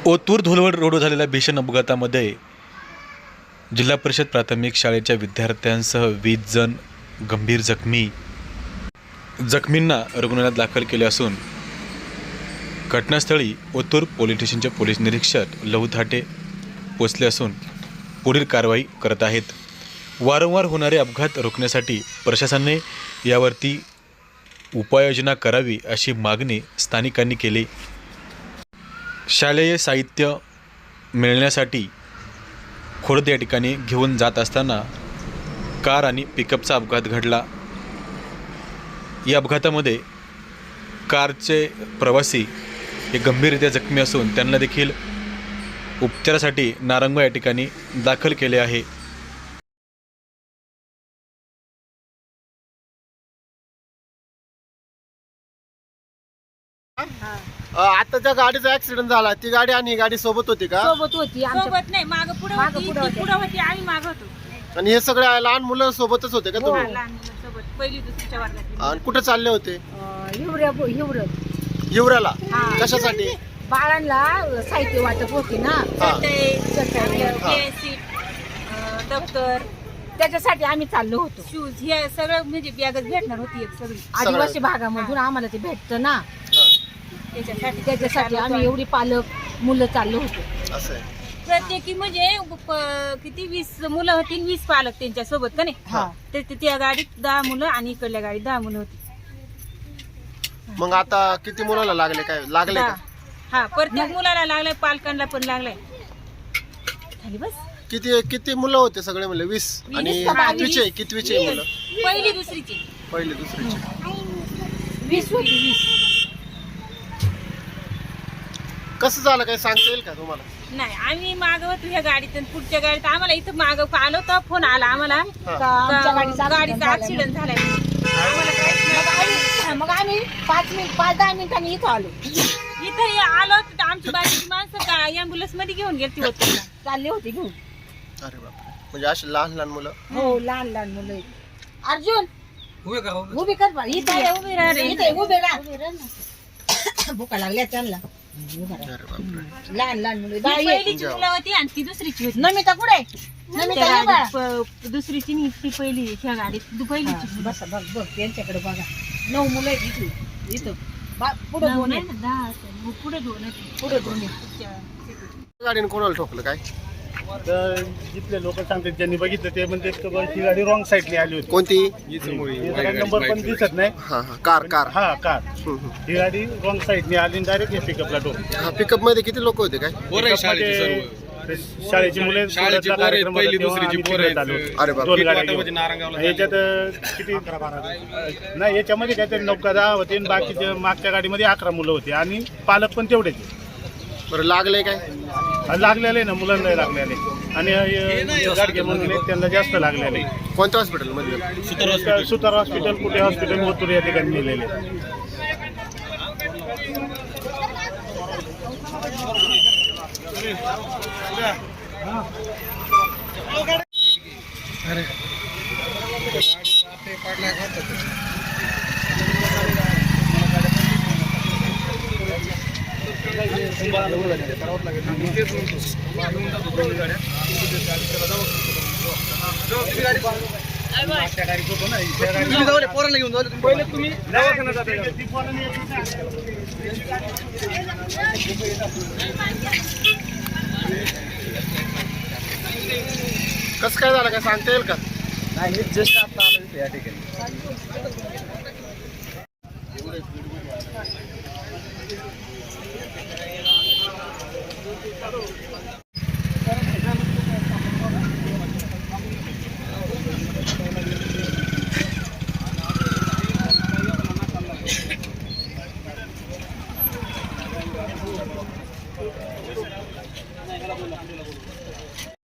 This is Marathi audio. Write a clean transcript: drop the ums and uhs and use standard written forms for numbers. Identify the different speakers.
Speaker 1: ओतूर धुलवड रोड झालेल्या भीषण अपघातामध्ये जिल्हा परिषद प्राथमिक शाळेच्या विद्यार्थ्यांसह 20 जण गंभीर जखमींना रुग्णालयात दाखल केले असून घटनास्थळी ओतूर पोलीस स्टेशनचे पोलीस निरीक्षक लहू थाटे पोचले असून पुढील कारवाई करत आहेत. वारंवार होणारे अपघात रोखण्यासाठी प्रशासनाने यावरती उपाययोजना करावी अशी मागणी स्थानिकांनी केली. शालेय साहित्य मिळण्यासाठी खोडद या ठिकाणी घेऊन जात असताना कार आणि पिकअपचा अपघात घडला. या अपघातामध्ये कारचे प्रवासी हे गंभीररित्या जखमी असून त्यांना देखील उपचारासाठी नारंग या ठिकाणी दाखल केले आहे.
Speaker 2: आता ज्या गाडीचा ऍक्सिडेंट झाला ती गाडी आणि ही गाडी सोबत होती का?
Speaker 3: सोबत होती
Speaker 4: सोबत नाही, माग पुढे होती, ती पुढे होती, आम्ही माग होतो.
Speaker 2: आणि हे सगळे लहान मुलं सोबतच होते का तुम्ही?
Speaker 4: लहान मुलांसोबत पहिली दुसरीच्या वर्गात.
Speaker 2: आणि कुठे चालले होते? हिवऱ्याला. कशासाठी?
Speaker 3: बाळांना साहित्य वाटप होती ना,
Speaker 4: दप्तर,
Speaker 3: त्याच्यासाठी आम्ही चाललो होतो.
Speaker 4: शूज हे सगळं म्हणजे बॅगच भेटणार होती एक सगळी.
Speaker 3: आदिवासी भागामधून आम्हाला ते भेटतं ना, त्याच्यासाठी आम्ही एवढी पालक मुलं चाललो होतो.
Speaker 2: असं आहे.
Speaker 4: प्रत्येकी म्हणजे किती 20 मुलं होती, 20 पालक त्यांच्या सोबत का नाही. त्या गाडीत 10 मुलं आणि इकडल्या गाडीत 10 मुलं होती.
Speaker 2: मग आता किती मुलाला लागले? काय लागले का?
Speaker 4: हा, प्रत्येक मुलाला लागलाय, पालकांना पण लागलाय. खाली बस.
Speaker 2: किती मुलं होते सगळे? म्हणले 20. आणि कितवीचे मुलं?
Speaker 4: पहिली दुसरीची.
Speaker 2: पहिली दुसरीचे.
Speaker 3: 20 होती. 20
Speaker 2: कसं झालं काय सांगता येईल का तुम्हाला?
Speaker 4: नाही, आम्ही मागवत ह्या गाडीत आणि पुढच्या गाडीत आम्हाला इथं माग आलो तर फोन आला आम्हाला गाडीचा ऍक्सिडेंट झालाय.
Speaker 3: मग आम्ही 5-10 मिनिटांनी इथं आलो.
Speaker 4: इथं आलो तर आमची बाकीची माणसं ॲम्ब्युलन्स मध्ये घेऊन गेली होती,
Speaker 3: चालले होते घेऊन.
Speaker 2: अरे बापरे. म्हणजे अशी लहान लहान मुलं?
Speaker 3: हो, लहान लहान मुलं. अर्जुन उभी कर,
Speaker 4: उभी राहा रे.
Speaker 3: उभे राहा. भुका लागल्या त्यांना.
Speaker 2: अरे बापरे.
Speaker 3: लहान लहान मुलं.
Speaker 4: पहिलीची मुलं होती आणि ती दुसरीची होती.
Speaker 3: नमिता कुठे?
Speaker 4: त्या गाडीत दुसरीची नाही, ती पहिली ह्या गाडीत पहिलीची.
Speaker 3: बस बघ त्यांच्याकडे बघा. 9 मुलं आहेत इथे. इथं पुढे 2 आहेत.
Speaker 4: 10 असेल, पुढे 2 आहेत.
Speaker 3: पुढे 2 आहेत.
Speaker 2: गाडीने कोणाला ठोकलं काय?
Speaker 5: तर जिथले लोक सांगतात ज्यांनी बघितलं ते म्हणते ही गाडी रॉंग साईडने आली होती.
Speaker 2: कोणती?
Speaker 5: नंबर पण दिसत नाही.
Speaker 2: हा हा, कार.
Speaker 5: हा, कार. ही गाडी रॉंग साईडने आली आणि डायरेक्ट पिकअपला ठोकली.
Speaker 2: हा, पिकअप मध्ये किती लोक होते काय?
Speaker 5: शाळेची मुले
Speaker 2: अरे बाप.
Speaker 5: दोन गाड्या याच्यात किती नाही, याच्यामध्ये काहीतरी 9-10 होते आणि बाकीच्या मागच्या गाडीमध्ये 11 मुलं होती आणि पालक पण तेवढेच.
Speaker 2: बरं, लागले काय?
Speaker 5: लागलेले ना, मुलांना लागलेले आणि गाडगे म्हणून त्यांना जास्त लागलेले.
Speaker 2: कोणत्या हॉस्पिटल मध्ये?
Speaker 5: सुतार हॉस्पिटल, कुठे हॉस्पिटल, ओतूर या ठिकाणी नेलेले.
Speaker 2: कसं काय झालं काय सांगता येईल का?
Speaker 5: नाही, जस्ट आता आलो या ठिकाणी.